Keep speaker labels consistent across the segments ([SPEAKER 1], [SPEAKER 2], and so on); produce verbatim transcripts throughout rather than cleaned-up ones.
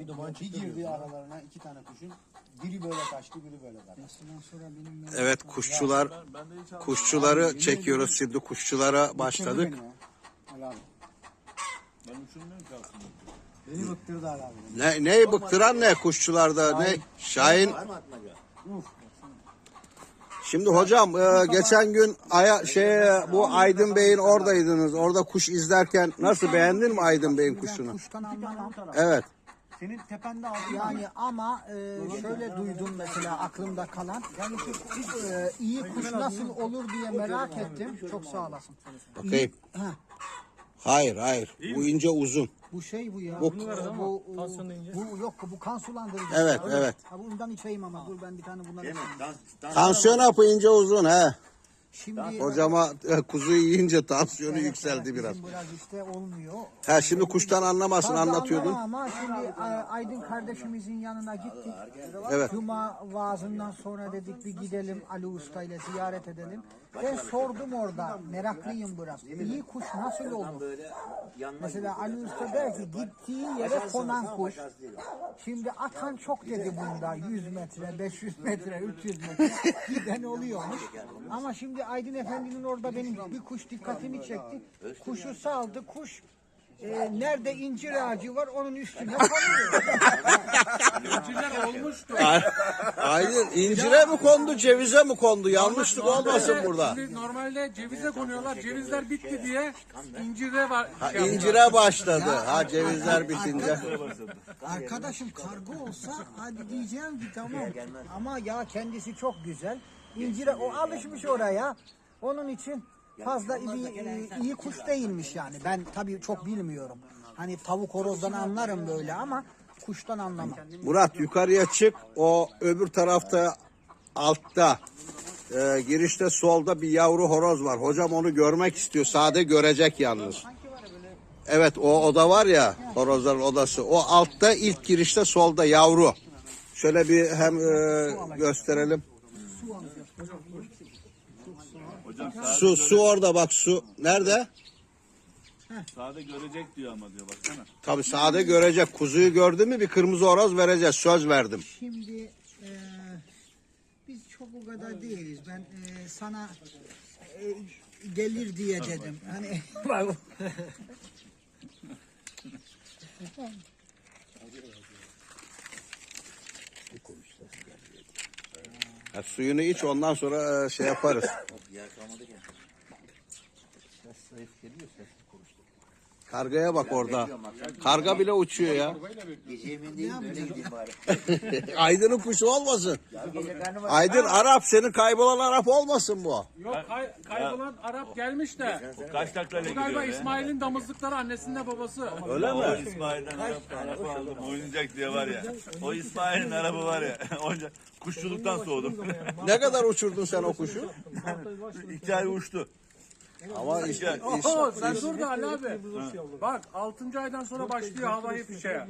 [SPEAKER 1] duman
[SPEAKER 2] Bir girdi aralarına iki tane kuşun. Biri böyle kaçtı, biri böyle kaçtı.
[SPEAKER 3] Evet, kuşçular kuşçuları çekiyoruz şimdi, kuşçulara başladık.
[SPEAKER 2] Ali abi.
[SPEAKER 1] Ben uçurmuyorum ki aslında.
[SPEAKER 2] Beni bıktırdı Ali abi.
[SPEAKER 3] Ne neyi bıktıran ne kuşçularda ne? Şahin. Şimdi hocam e, geçen gün aya, şey bu Aydın Bey'in oradaydınız. Orada kuş izlerken nasıl, beğendin mi Aydın Bey'in kuşunu?
[SPEAKER 4] Kuştan anlamam.
[SPEAKER 3] Evet.
[SPEAKER 2] Senin tepende aldı.
[SPEAKER 4] Yani ama e, şöyle duydum mesela aklımda kalan. Yani ki e, iyi kuş nasıl olur diye merak ettim. Çok sağ olasın.
[SPEAKER 3] Bakayım.
[SPEAKER 4] Ha,
[SPEAKER 3] Hayır hayır. Bu ince uzun.
[SPEAKER 4] bu şey bu ya.
[SPEAKER 3] Bu-
[SPEAKER 4] Bu, bu, bu, bu yok bu kan sulandırıcı.
[SPEAKER 3] Evet evet.
[SPEAKER 4] Ha, bundan içeyim ama dur ben bir tane bundan içeyim.
[SPEAKER 3] Tansiyon hapı ince uzun he.
[SPEAKER 4] Şimdi
[SPEAKER 3] Hocama e, kuzu yiyince tansiyonu yükseldi biraz.
[SPEAKER 4] bizim biraz işte olmuyor.
[SPEAKER 3] Ha şimdi kuştan anlamasın,
[SPEAKER 4] Fazla
[SPEAKER 3] anlatıyordun.
[SPEAKER 4] anlamam Ama şimdi e, Aydın kardeşimizin yanına gittik.
[SPEAKER 3] Evet.
[SPEAKER 4] Cuma vaazından sonra dedik bir gidelim Ali Usta ile ziyaret edelim. Ben sordum orada, meraklıyım biraz. İyi kuş nasıl olur? Mesela Ali Usta der ki gittiği yere konan kuş. Şimdi atan çok dedi bunda. yüz metre, beş yüz metre, üç yüz metre giden oluyormuş. Ama şimdi Aydın Efendi'nin orada benim bir kuş dikkatimi çekti. Kuşu saldı, kuş e, nerede incir ağacı var onun üstüne konuyor.
[SPEAKER 1] İncirler olmuştu.
[SPEAKER 3] Aydın incire mi kondu, cevize mi kondu? Yanlışlık olmasın burada.
[SPEAKER 1] Şimdi normalde cevize konuyorlar. Cevizler bitti diye incire var.
[SPEAKER 3] Ha,
[SPEAKER 1] şey
[SPEAKER 3] incire başladı. Ha cevizler bitince.
[SPEAKER 4] Arkadaşım kargo olsa hadi diyeceğim ki tamam. Ama ya kendisi çok güzel. İncire o alışmış oraya. Onun için fazla iyi, iyi kuş değilmiş yani. Ben tabii çok bilmiyorum. Hani tavuk horozdan anlarım böyle ama kuştan anlamam.
[SPEAKER 3] Murat yukarıya çık. O öbür tarafta altta e, girişte solda bir yavru horoz var. Hocam onu görmek istiyor. Sade görecek yalnız. Evet o oda var ya, horozların odası. O altta ilk girişte solda yavru. Şöyle bir hem e, gösterelim. Su su orada bak, su. Nerede?
[SPEAKER 1] Sade görecek diyor ama diyor baksana.
[SPEAKER 3] Tabii sade görecek. Kuzuyu gördü mü bir kırmızı horoz vereceğiz. Söz verdim.
[SPEAKER 4] Şimdi e, biz çok o kadar değiliz. Ben e, sana e, gelir diye dedim. Hani
[SPEAKER 3] Ha, suyunu iç, ondan sonra e, şey yaparız. Kargaya bak orada. Karga bile uçuyor ya. Aydın'ın kuşu olmasın. Aydın Arap, senin kaybolan Arap olmasın bu.
[SPEAKER 1] Yok kay, kaybolan Arap gelmiş de.
[SPEAKER 5] Kaç taklaya
[SPEAKER 1] Bu
[SPEAKER 5] gidiyor
[SPEAKER 1] galiba
[SPEAKER 5] ya?
[SPEAKER 1] İsmail'in damızlıkları annesinde babası.
[SPEAKER 3] Öyle
[SPEAKER 5] O
[SPEAKER 3] mi?
[SPEAKER 5] İsmail'den Arap, Arap aldım. Oynayacak diye var ya. O İsmail'in arabı var ya. Onca kuşçuluktan soğudum.
[SPEAKER 3] Ne kadar uçurdun sen o kuşu?
[SPEAKER 5] İki ay uçtu.
[SPEAKER 3] Ama işte
[SPEAKER 1] Oho sen dur da Ali abi. Bak altıncı aydan sonra başlıyor havayı fişeye.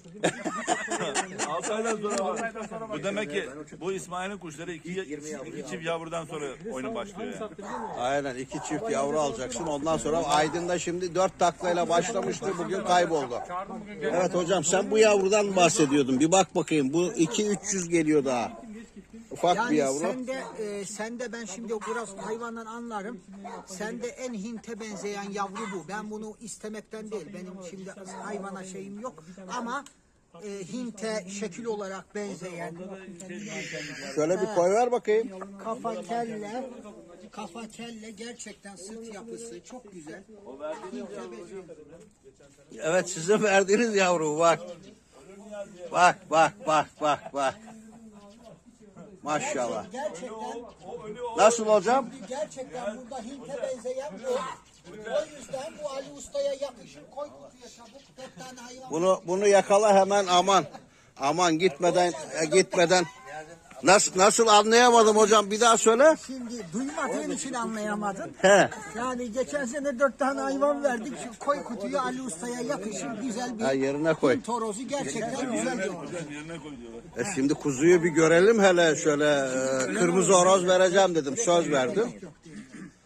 [SPEAKER 5] Altı aydan sonra
[SPEAKER 1] Altı
[SPEAKER 5] var.
[SPEAKER 1] aydan sonra
[SPEAKER 5] Bu
[SPEAKER 1] başlıyor.
[SPEAKER 5] demek ki bu İsmail'in kuşları iki, iki çift yavrudan sonra oyunu başlıyor yani.
[SPEAKER 3] aynen iki çift yavru alacaksın. Ondan sonra Aydın'da şimdi dört taklayla başlamıştı. Bugün kayboldu.
[SPEAKER 1] Çağırdım bugün gel.
[SPEAKER 3] Evet hocam, sen bu yavrudan mı bahsediyordun? Bir bak bakayım. Bu iki üç yüz geliyor daha. Ufak bir
[SPEAKER 4] yani
[SPEAKER 3] yavru.
[SPEAKER 4] sen de e, sen de ben şimdi biraz hayvandan anlarım. Sen de en Hint'e benzeyen yavru bu. Ben bunu istemekten değil. Benim şimdi hayvana şeyim yok ama e, Hint'e şekil olarak benzeyen
[SPEAKER 3] Şöyle bir koy ver bakayım.
[SPEAKER 4] kafa kelle kafa kelle gerçekten sırt yapısı çok güzel. Hint'e benziyor.
[SPEAKER 3] Evet, sizin verdiğiniz yavru bak. Bak bak bak bak bak. Maşallah.
[SPEAKER 4] Gerçekten
[SPEAKER 3] Nasıl hocam?
[SPEAKER 4] gerçekten burada Hint'e benzeyen bu. O yüzden bu Ali Usta'ya yakışır. Koy kutuya çabuk. Dört tane hayvan.
[SPEAKER 3] Bunu bunu yakala hemen, aman. Aman gitmeden e, gitmeden. Nasıl nasıl anlayamadım hocam, bir daha söyle.
[SPEAKER 4] Şimdi duymadığın için anlayamadın.
[SPEAKER 3] He.
[SPEAKER 4] Yani geçen sene dört tane hayvan verdik. Şu koy kutuyu Ali Usta'ya yakışır. Güzel bir
[SPEAKER 3] Ha, yerine koy.
[SPEAKER 4] Hint horozu gerçekten güzel bir horoz.
[SPEAKER 5] Yerine koy diyorlar.
[SPEAKER 3] E şimdi kuzuyu bir görelim hele şöyle, e, kırmızı horoz vereceğim dedim, söz verdim.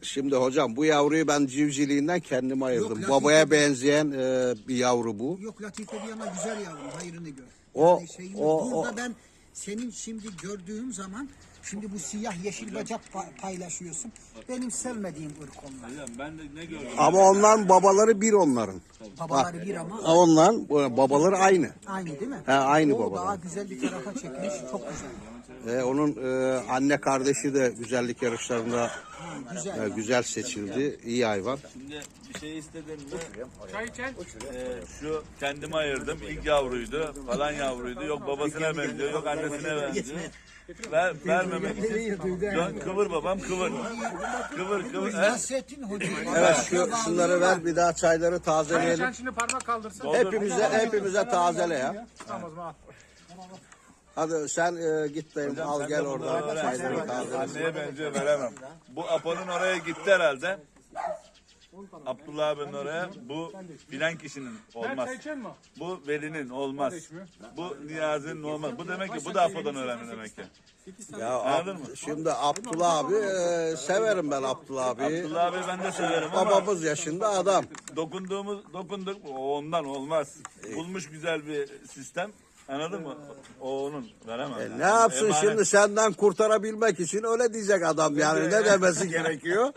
[SPEAKER 3] Şimdi hocam bu yavruyu ben civciliğinden kendime ayırdım.
[SPEAKER 4] Latife-
[SPEAKER 3] Babaya benzeyen e, bir yavru bu.
[SPEAKER 4] Yok Latife bir yana güzel yavrum, hayrını gör.
[SPEAKER 3] O-
[SPEAKER 4] Yani şeyini-
[SPEAKER 3] o-
[SPEAKER 4] burada
[SPEAKER 3] o-
[SPEAKER 4] ben senin şimdi gördüğüm zaman, şimdi bu siyah yeşil bacak pa- paylaşıyorsun. Benim sevmediğim ırk onlar.
[SPEAKER 5] Ben de ne gördüm?
[SPEAKER 3] Ama onların babaları bir onların.
[SPEAKER 4] Babaları bir ama
[SPEAKER 3] Onların bu- babaları aynı.
[SPEAKER 4] aynı değil mi?
[SPEAKER 3] He, aynı
[SPEAKER 4] o
[SPEAKER 3] babalar.
[SPEAKER 4] daha güzel bir tarafa çekmiş, çok güzel.
[SPEAKER 3] E, onun e, anne kardeşi de güzellik yarışlarında
[SPEAKER 4] Güzel.
[SPEAKER 3] e, güzel seçildi. İyi hayvan.
[SPEAKER 5] Şimdi bir şey istedim mi?
[SPEAKER 1] Çay içen.
[SPEAKER 5] Ee, şu kendime ayırdım. İlk yavruydu. Falan yavruydu. Yok babasına benziyor. Yok annesine benziyor. Ver, vermemek için. Dön, kıvır babam kıvır. Kıvır kıvır. He?
[SPEAKER 4] Nasrettin Hoca.
[SPEAKER 3] Evet şu şunları ver bir daha çayları
[SPEAKER 1] Çay
[SPEAKER 3] tazeleyelim.
[SPEAKER 1] içen şimdi parmak kaldırsın.
[SPEAKER 3] Hepimize hepimize tazele ya.
[SPEAKER 1] Tamam o zaman al.
[SPEAKER 3] Hadi sen e, git dayım al
[SPEAKER 5] Sen
[SPEAKER 3] gel
[SPEAKER 5] de bunları
[SPEAKER 3] oradan
[SPEAKER 5] öğren.
[SPEAKER 3] çayları tazele.
[SPEAKER 5] Anneye benziyor veremem. Bu Apo'nun oraya gitti herhalde. Abdullah abinin oraya. Bu bilen kişinin
[SPEAKER 1] Sen
[SPEAKER 5] olmaz.
[SPEAKER 1] çay içen mi?
[SPEAKER 5] Bu Veli'nin olmaz. Bu Niyazi'nin olmaz. Bu demek ki bu da Apo'dan öğrendi demek ki.
[SPEAKER 3] Ya
[SPEAKER 5] Anladın
[SPEAKER 3] Ab-
[SPEAKER 5] mı?
[SPEAKER 3] şimdi Abdullah abi e, severim ben Abdullah abi.
[SPEAKER 5] Abdullah abi ben de severim ama
[SPEAKER 3] Babamız yaşında adam.
[SPEAKER 5] dokunduğumuz dokunduk o ondan olmaz. Bulmuş güzel bir sistem. Anladın mı? O onun veremem. yani.
[SPEAKER 3] Ne yapsın
[SPEAKER 5] Emanet.
[SPEAKER 3] şimdi senden kurtarabilmek için öyle diyecek adam yani ne demesi gerekiyor?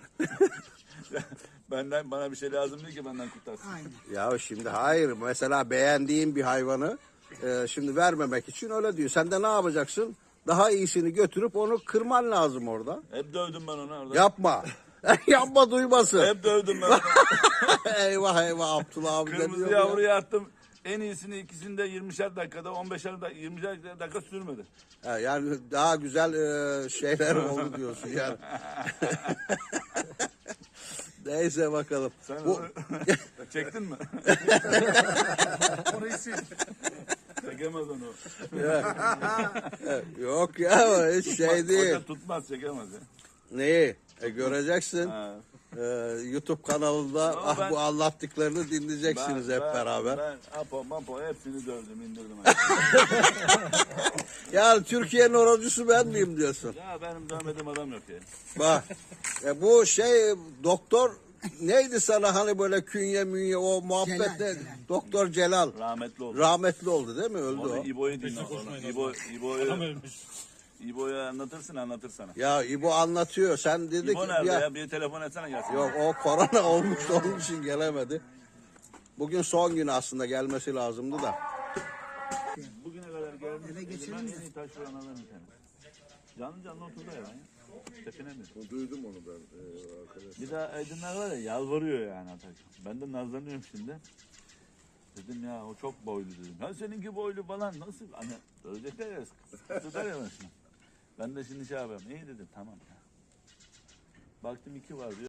[SPEAKER 5] Benden bana bir şey lazım değil ki benden kurtarsın.
[SPEAKER 4] Aynen.
[SPEAKER 3] Ya şimdi hayır mesela beğendiğin bir hayvanı e, şimdi vermemek için öyle diyor. Sen de ne yapacaksın? Daha iyisini götürüp onu kırman lazım orada.
[SPEAKER 5] Hep dövdüm ben onu orada.
[SPEAKER 3] Yapma. Yapma duymasın.
[SPEAKER 5] Hep dövdüm ben onu.
[SPEAKER 3] eyvah eyvah Abdullah abi ne
[SPEAKER 5] Kırmızı
[SPEAKER 3] diyor ya?
[SPEAKER 5] yavruyu attım. En iyisini ikisini de yirmişer dakikada, on beşer dakika, yirmişer dakika sürmedi.
[SPEAKER 3] Ha, yani daha güzel e, şeyler oldu diyorsun yani. Neyse bakalım.
[SPEAKER 5] Sen
[SPEAKER 3] Bu,
[SPEAKER 5] onu çektin mi?
[SPEAKER 1] Orayı sil.
[SPEAKER 5] Çekemez onu.
[SPEAKER 3] yok ya hiç şey değil.
[SPEAKER 5] Hoca tutmaz, çekemez ya.
[SPEAKER 3] Neyi? E, göreceksin.
[SPEAKER 5] Ha.
[SPEAKER 3] Ee, YouTube kanalında
[SPEAKER 5] Ama
[SPEAKER 3] ah
[SPEAKER 5] ben-
[SPEAKER 3] bu anlattıklarını dinleyeceksiniz hep
[SPEAKER 5] ben-
[SPEAKER 3] beraber.
[SPEAKER 5] Ben Apo, Mapo hepsini dövdüm, indirdim.
[SPEAKER 3] Yani Türkiye'nin horozcusu ben miyim diyorsun.
[SPEAKER 5] Ya benim dövmediğim adam yok ya.
[SPEAKER 3] Bak e, bu şey doktor neydi sana hani böyle künye münye o muhabbet
[SPEAKER 4] Celal,
[SPEAKER 3] ne?
[SPEAKER 4] Celal.
[SPEAKER 3] Doktor Celal.
[SPEAKER 5] Rahmetli oldu.
[SPEAKER 3] Rahmetli oldu değil mi? Öldü
[SPEAKER 5] Onu
[SPEAKER 3] o.
[SPEAKER 5] İbo'yu dinle. Onu. İbo, İbo'yu, İbo'yu anlatırsın anlatır sana.
[SPEAKER 3] Ya İbo anlatıyor. Sen dedi
[SPEAKER 5] İbo
[SPEAKER 3] ki
[SPEAKER 5] nerede ya?
[SPEAKER 3] ya,
[SPEAKER 5] Bir telefon etsene gelsin.
[SPEAKER 3] yok o korona olmuş onun için gelemedi. Bugün son günü aslında gelmesi lazımdı da.
[SPEAKER 5] Bugüne kadar gelmiş.
[SPEAKER 4] Eve geçelim
[SPEAKER 5] elinden
[SPEAKER 4] de.
[SPEAKER 5] en iyi taş vuranlardan bir tanesi. Canlı canlı oturdu ya lan. Tepine mi?
[SPEAKER 6] Duydum onu ben e, arkadaş.
[SPEAKER 5] Bir daha Aydınlar var ya yalvarıyor yani Atakan. Ben de nazlanıyorum şimdi. Dedim ya o çok boylu dedim. Ha seninki boylu falan nasıl? Hani ölecekler ya. Tutar ya başına. Ben de şimdi şey yapıyorum. İyi dedim tamam ya. Baktım iki var diyor.